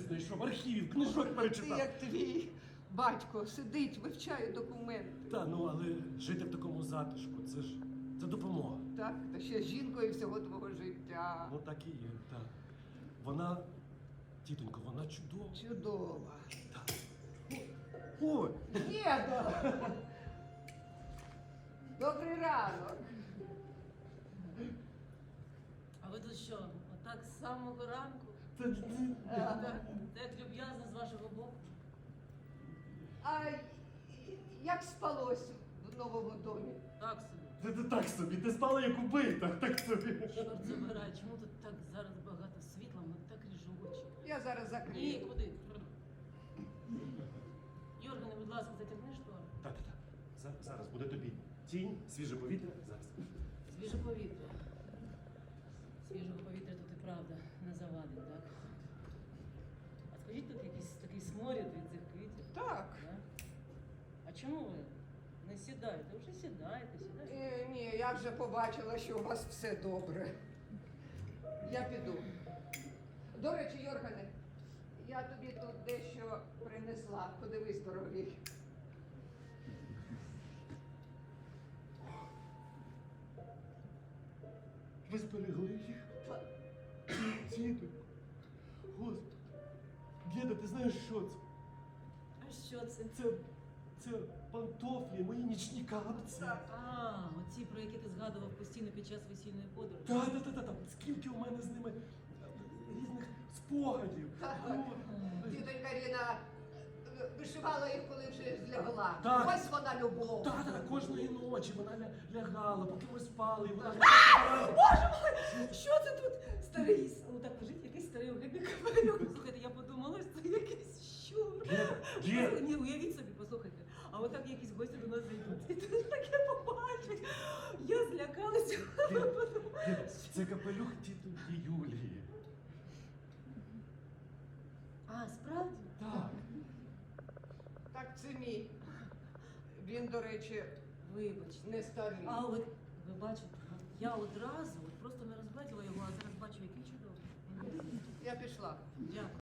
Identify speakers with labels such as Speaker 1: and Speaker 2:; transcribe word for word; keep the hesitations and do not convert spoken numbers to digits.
Speaker 1: знайшов, архівів, книжок
Speaker 2: Ти
Speaker 1: перечитав.
Speaker 2: як твій батько сидить, вивчає документи.
Speaker 1: Та, ну, але жити в такому затишку, це ж, це допомога.
Speaker 2: Так, та ще з жінкою всього твого життя.
Speaker 1: Ну, так і є, так. Вона, тітонько, вона чудова.
Speaker 2: Чудова.
Speaker 1: Так. Ой,
Speaker 2: Дідо! Добрий ранок.
Speaker 3: А ви тут що, отак з самого ранку?
Speaker 1: це, це,
Speaker 3: Так, так люб'язно з вашого боку.
Speaker 2: А як спалось в новому домі?
Speaker 3: Так собі.
Speaker 1: це, це так собі, ти спала як убита, так собі.
Speaker 3: Чорт забирай, чому тут так зараз багато світла, ми так ріжу очі.
Speaker 2: Я зараз
Speaker 3: Ні,
Speaker 2: закрию.
Speaker 3: куди? Йоргане, будь ласка, затягни штори.
Speaker 1: Так-так-так, За- зараз буде тобі тінь, свіже повітря, зараз.
Speaker 3: Свіже повітря. Свіжого повітря тут і правда не завадить, так? А скажіть, тут якийсь такий сморід від цих квітів?
Speaker 2: Так.
Speaker 3: Да? А чому ви не сідаєте? Вже сідаєте, сідаєте.
Speaker 2: Е, ні, я вже побачила, що у вас все добре. Я піду. До речі, Йоргане, я тобі тут дещо принесла. Подивись, дорогий.
Speaker 1: Ви зберегли їх? Тітонько. Господи. Діда, ти знаєш, що це?
Speaker 3: А що це?
Speaker 1: Це, це пантофлі, мої нічні капці.
Speaker 3: А, оці, про які ти згадував постійно під час весільної подорожі.
Speaker 1: Та, та, та, та, та. Скільки у мене з ними різних спогадів.
Speaker 2: Так.
Speaker 1: Ну,
Speaker 2: Тітонька Ріна е, вишивала їх, коли вже злягла.
Speaker 1: Так.
Speaker 2: Ось вона любов.
Speaker 1: Та, та, та, кожної ночі вона ля- лягала, поки ми спали, і вона...
Speaker 3: Боже мой, що це тут? Старий, с- ну так лежить якийсь старий огидний капелюх. Слухайте, я подумала, що це якийсь щур.
Speaker 1: Дід, дід.
Speaker 3: Ні, уявіть собі, послухайте. А отак якісь гості до нас зайдуть. І тут таке побачать. Я злякалася.
Speaker 1: Дід, дід, це капелюх тітоньки Юлії.
Speaker 3: А, справді?
Speaker 1: Так.
Speaker 2: Так, це мій. Він, до речі,
Speaker 3: Вибачте.
Speaker 2: не старий.
Speaker 3: А от, ви бачите, я одразу от просто не розгледіла його, а зараз бачу, який чудовий.
Speaker 2: Я пішла.
Speaker 3: Дякую.